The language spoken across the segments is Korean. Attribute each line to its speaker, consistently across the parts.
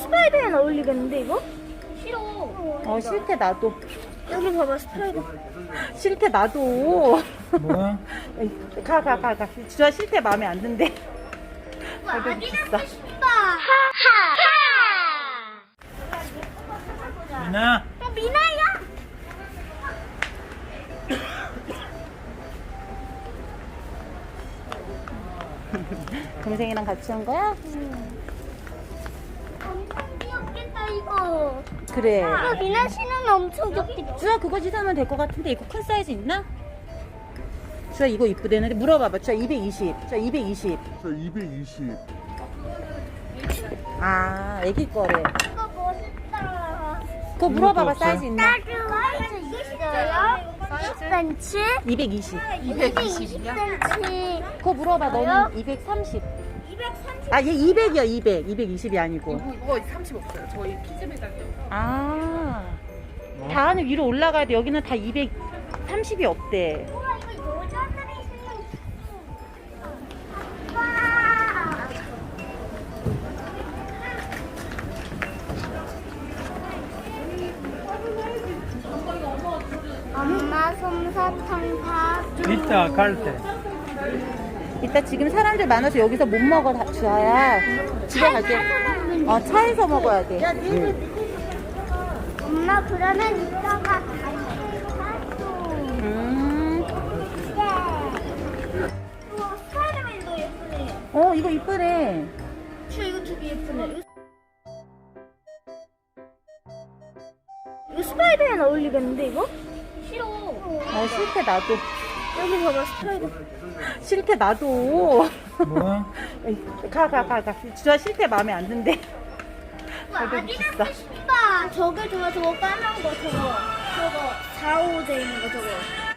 Speaker 1: 스파이더맨 어울리겠는데 이거?
Speaker 2: 싫어. 싫대 나도.
Speaker 1: 여기 봐봐 스파이더.
Speaker 2: 싫대 나도.
Speaker 3: 뭐야?
Speaker 2: 가. 주아 싫대 마음에 안 든대. 가격 비싸.
Speaker 3: 미나.
Speaker 1: 미나야.
Speaker 2: 동생이랑 같이 온 거야?
Speaker 1: 엄청 귀엽겠다 이거.
Speaker 2: 그래.
Speaker 1: 이거 미나 신으면 엄청 귀엽겠다.
Speaker 2: 주아 그거 사면 될 것 같은데 이거 큰 사이즈 있나? 주아 이거 이쁘대는데 물어봐봐. 주아 220. 주아 220.
Speaker 4: 저 220.
Speaker 2: 아 애기 거래.
Speaker 1: 이거 멋있다.
Speaker 2: 그거 물어봐봐.
Speaker 4: 없어요?
Speaker 2: 사이즈 있나?
Speaker 1: 사이즈 있어요? 10cm?
Speaker 2: 220.
Speaker 1: 220cm.
Speaker 2: 그거 물어봐. 너는 230.
Speaker 1: 230.
Speaker 2: 아 얘 200이야 200. 220이 아니고.
Speaker 5: 이거 30 없어요. 저희 키즈 매장이요.
Speaker 2: 아. 다 안에 위로 올라가야 돼. 여기는 다 230이 없대.
Speaker 1: 우와 이거 여자들이 신는 와. 엄마 솜사탕 다 줘.
Speaker 3: 이따 갈 때.
Speaker 2: 이따 지금 사람들 많아서 여기서 못 먹어 주아야. 집에 갈게. 차에서 먹어야 돼.
Speaker 1: 엄마 그러면 이따가 가서. 우와 스파이더맨도 예쁘네.
Speaker 2: 이거 이쁘네.
Speaker 1: 이거 되게 예쁘네. 이거 스파이더맨 어울리겠는데 이거? 싫어.
Speaker 2: 싫대 나도.
Speaker 1: 여기 봐봐 스파이더.
Speaker 2: 싫대 나도.
Speaker 3: 뭐야?
Speaker 2: 가. 주아 싫대 마음에 안 든대. 가격 비싸.
Speaker 1: 싶다. 저게 좋아 저거 까만 거 저거 4, 5 돼 있는 거 저거.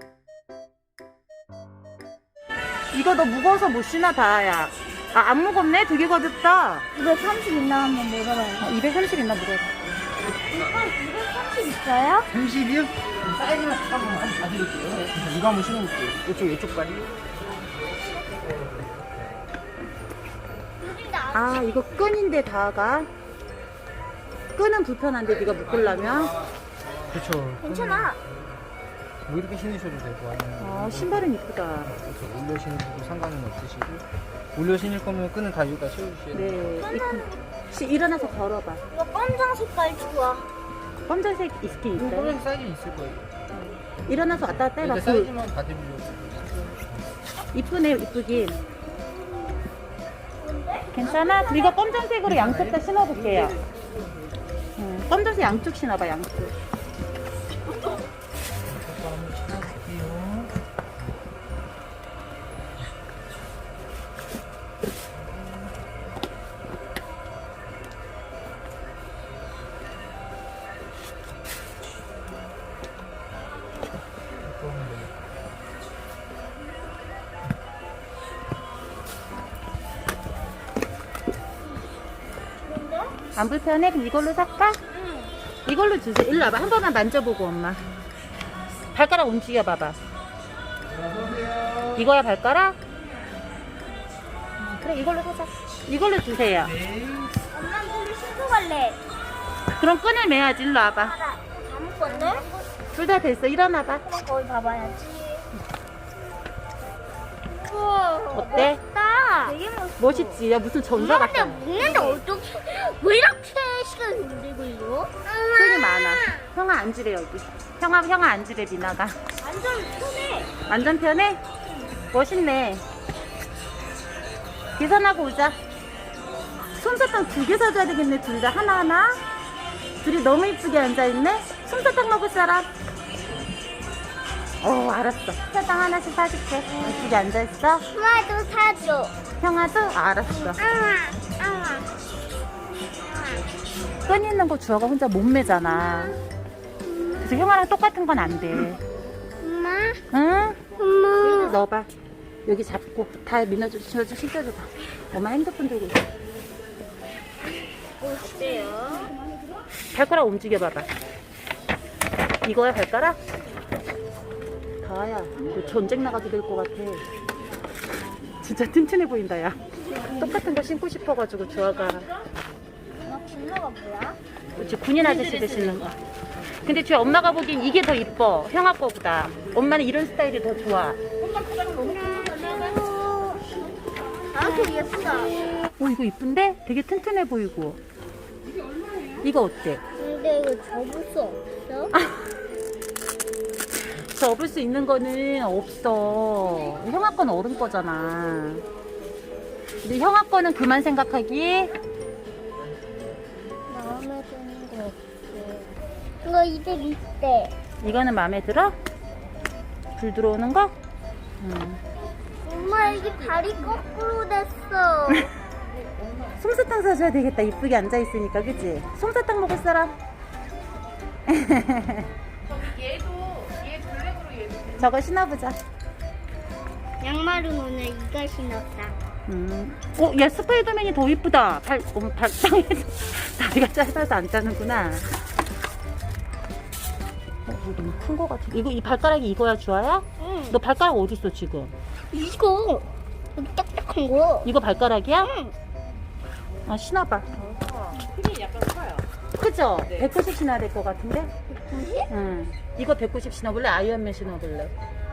Speaker 2: 이거 너 무거워서 못 신어 다야. 안 무겁네? 되게 가볍다.
Speaker 1: 230 있나 한번 물어봐요.
Speaker 2: 230 있나 물어봐.
Speaker 1: 이거 230 있어요?
Speaker 3: 30이요? 사이즈만 잠깐만 한번 봐드릴게요. 이거 한번 신어볼게요. 이쪽 다리.
Speaker 2: 이거 끈인데 다가. 끈은 불편한데 네가 묶으려면.
Speaker 3: 그렇죠.
Speaker 1: 괜찮아.
Speaker 3: 뭐 이렇게 신으셔도 되고 아니면
Speaker 2: 신발은 이쁘다.
Speaker 3: 이렇게 올려 신으셔도 상관은 없으시고 올려 신을 거면 끈은 다 여기다 씌워주셔야 돼요.
Speaker 2: 네. 일어나서 걸어봐.
Speaker 1: 이거 검정 색깔 좋아.
Speaker 2: 검정색 스킨 있어요?
Speaker 3: 검정 사이즈 있을 거예요.
Speaker 2: 일어나서 왔다 갔다 해봐.
Speaker 3: 근데 사이즈만 봐드리려고.
Speaker 2: 이쁘네 이쁘긴. 괜찮아? 이거 검정색으로 양쪽 다 신어볼게요. 검정색 양쪽 신어봐 양쪽. 안 불편해? 그럼 이걸로 살까? 이걸로 주세요. 일로 와봐. 한 번만 만져보고 엄마. 발가락 움직여 봐봐. 이거야 발가락? 그래 이걸로 사자. 이걸로 주세요.
Speaker 1: 엄마 물을 신고 갈래.
Speaker 2: 그럼 끈을 매야지. 일로 와봐.
Speaker 1: 다 묶었네?
Speaker 2: 둘 다 됐어. 일어나봐.
Speaker 1: 그럼 거기 봐봐야지. 우와
Speaker 2: 어때?
Speaker 1: 멋있다. 되게 멋있어.
Speaker 2: 멋있지? 야 무슨 전사
Speaker 1: 엄마 근데
Speaker 2: 같아.
Speaker 1: 묶는데 어떻게 왜 이렇게 시간이 오래 걸려?
Speaker 2: 끈이 많아. 형아 앉으래 여기. 형아 앉으래 미나가.
Speaker 1: 완전 편해.
Speaker 2: 완전 편해? 멋있네. 계산하고 오자. 솜사탕 2개 사줘야 되겠네. 둘 다 하나하나. 둘이 너무 이쁘게 앉아있네. 솜사탕 먹을 사람? 알았어. 솜사탕 하나씩 사줄게. 이쁘게 앉아있어.
Speaker 1: 엄마도 사줘.
Speaker 2: 형아도? 알았어.
Speaker 1: 아.
Speaker 2: 끈 있는 거 주아가 혼자 못 매잖아. 그래서 형아랑 똑같은 건 안 돼.
Speaker 1: 엄마.
Speaker 2: 응?
Speaker 1: 엄마.
Speaker 2: 여기 넣어봐. 여기 잡고 다 민아줘 신겨줘봐. 엄마 핸드폰 들고 있어.
Speaker 1: 어때요?
Speaker 2: 발가락 움직여봐봐. 이거야 발가락? 다야 너 전쟁 나가도 될 것 같아. 진짜 튼튼해 보인다 야. 똑같은 거 신고 싶어가지고 주아가.
Speaker 1: 진로가 뭐야?
Speaker 2: 그치, 군인 아저씨들 신는 거. 근데 제 엄마가 보기엔 이게 더 이뻐. 형아 거보다. 엄마는 이런 스타일이 더 좋아.
Speaker 1: 아, 그 예쁘다.
Speaker 2: 오, 이거 이쁜데? 되게 튼튼해 보이고. 이거 어때?
Speaker 1: 근데 이거 접을 수 없어?
Speaker 2: 접을 수 있는 거는 없어. 형아 거는 어른 거잖아. 근데 형아 거는 그만 생각하기.
Speaker 1: 마음에 드는 거 없어. 이거 이들 있대.
Speaker 2: 이거는 마음에 들어? 불 들어오는 거?
Speaker 1: 엄마, 이게 발이 거꾸로 됐어.
Speaker 2: 솜사탕 사줘야 되겠다. 이쁘게 앉아있으니까, 그치? 솜사탕 먹을 사람?
Speaker 5: 얘도 얘 블랙으로 얘도
Speaker 2: 저거 신어보자.
Speaker 1: 양말은 오늘 이가 신었다.
Speaker 2: 야, 스파이더맨이 더 이쁘다. 발상에서 다리가 짧아서 안 짜는구나. 이거 너무 큰 거 같아. 이 발가락이 이거야, 주아야?
Speaker 1: 응.
Speaker 2: 너 발가락 어딨어, 지금?
Speaker 1: 이거 여기 딱딱한 거.
Speaker 2: 이거 발가락이야?
Speaker 1: 응.
Speaker 2: 아, 신어봐.
Speaker 5: 핀이 약간 커요.
Speaker 2: 그죠? 190 신어야 될 것 같은데?
Speaker 1: 뭐지?
Speaker 2: 응. 이거 190 신어볼래? 아이언맨 신어볼래?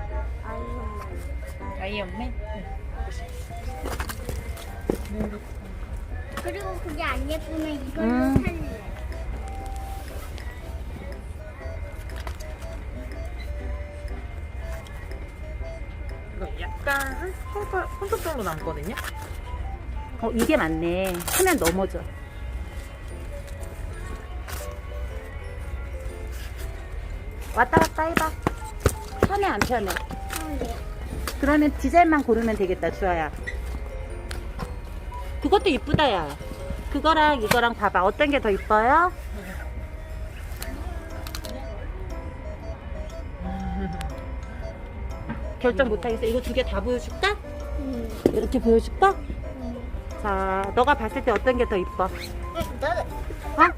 Speaker 2: 아이언맨?
Speaker 1: 그리고 그게 안 예쁘면 이걸로
Speaker 2: 음.
Speaker 1: 살래.
Speaker 5: 이거 약간 한 손톱 정도 남거든요.
Speaker 2: 이게 맞네. 하면 넘어져. 왔다 갔다 해봐. 편해, 안 편해? 그러면 디자인만 고르면 되겠다, 주아야. 그것도 이쁘다, 야. 그거랑 이거랑 봐봐. 어떤 게 더 이뻐요? 결정 못하겠어. 이거 두 개 다 보여줄까? 이렇게 보여줄까? 자, 너가 봤을 때 어떤 게 더 이뻐?
Speaker 1: 나는
Speaker 2: 어?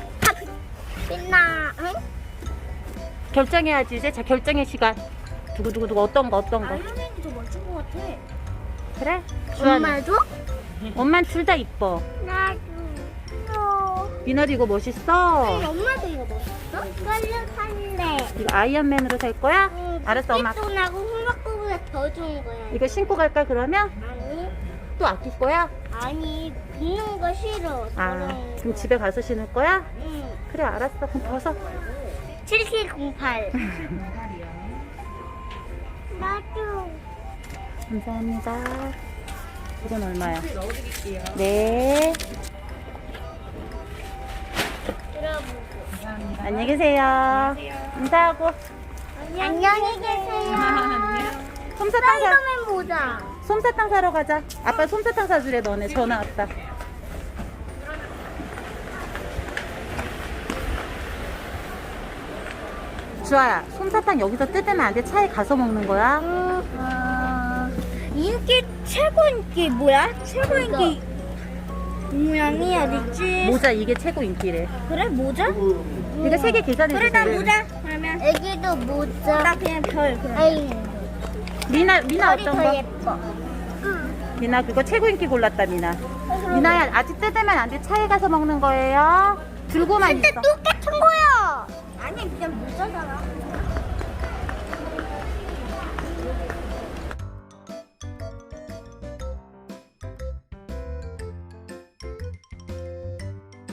Speaker 1: 빛나. 응?
Speaker 2: 결정해야지, 이제. 자, 결정의 시간. 두구두구두구 어떤 거?
Speaker 1: 아이언맨이 더 멋진 것 같아.
Speaker 2: 그래? 주아는?
Speaker 1: 엄마도?
Speaker 2: 엄마는 둘 다 이뻐.
Speaker 1: 나도.
Speaker 2: 미나도 이거 멋있어.
Speaker 1: 엄마도 이거 멋있어? 이걸로 살래.
Speaker 2: 이거 아이언맨으로 살 거야? 알았어, 엄마.
Speaker 1: 똥하고 홈마크보다 더 좋은 거야.
Speaker 2: 이거 신고 갈까, 그러면?
Speaker 1: 아니,
Speaker 2: 또 아낄 거야?
Speaker 1: 아니, 입는 거 싫어.
Speaker 2: 아, 그럼 집에 가서 신을 거야?
Speaker 1: 응.
Speaker 2: 그래, 알았어. 그럼 벗어.
Speaker 1: 7708. 나도.
Speaker 2: 감사합니다. 이건 얼마야?
Speaker 5: 넣어드릴게요.
Speaker 2: 네.
Speaker 1: 들어보고.
Speaker 2: 안녕히 계세요. 인사하고.
Speaker 1: 안녕히 계세요.
Speaker 2: 솜사탕
Speaker 1: 스파이더맨 모자.
Speaker 2: 솜사탕 사러 가자. 아빠 솜사탕 사주래, 너네. 전화 왔다. 주아야, 솜사탕 여기서 뜯으면 안 돼. 차에 가서 먹는 거야.
Speaker 1: 인기 최고 인기 뭐야? 최고 인기 모양이 어딨지?
Speaker 2: 모자 이게 최고 인기래.
Speaker 1: 그래 모자?
Speaker 2: 이거 3개 계산해
Speaker 1: 그래 나
Speaker 2: 주세요.
Speaker 1: 모자. 그러면 애기도 모자. 나 그냥 별. 에이.
Speaker 2: 미나
Speaker 1: 별이
Speaker 2: 어떤
Speaker 1: 더
Speaker 2: 거?
Speaker 1: 예뻐.
Speaker 2: 미나 그거 최고 인기 골랐다, 미나. 미나야, 아직 뜯으면 안 돼. 차에 가서 먹는 거예요. 들고만
Speaker 1: 근데
Speaker 2: 있어.
Speaker 1: 똑같은 거야. 아니 그냥 모자잖아.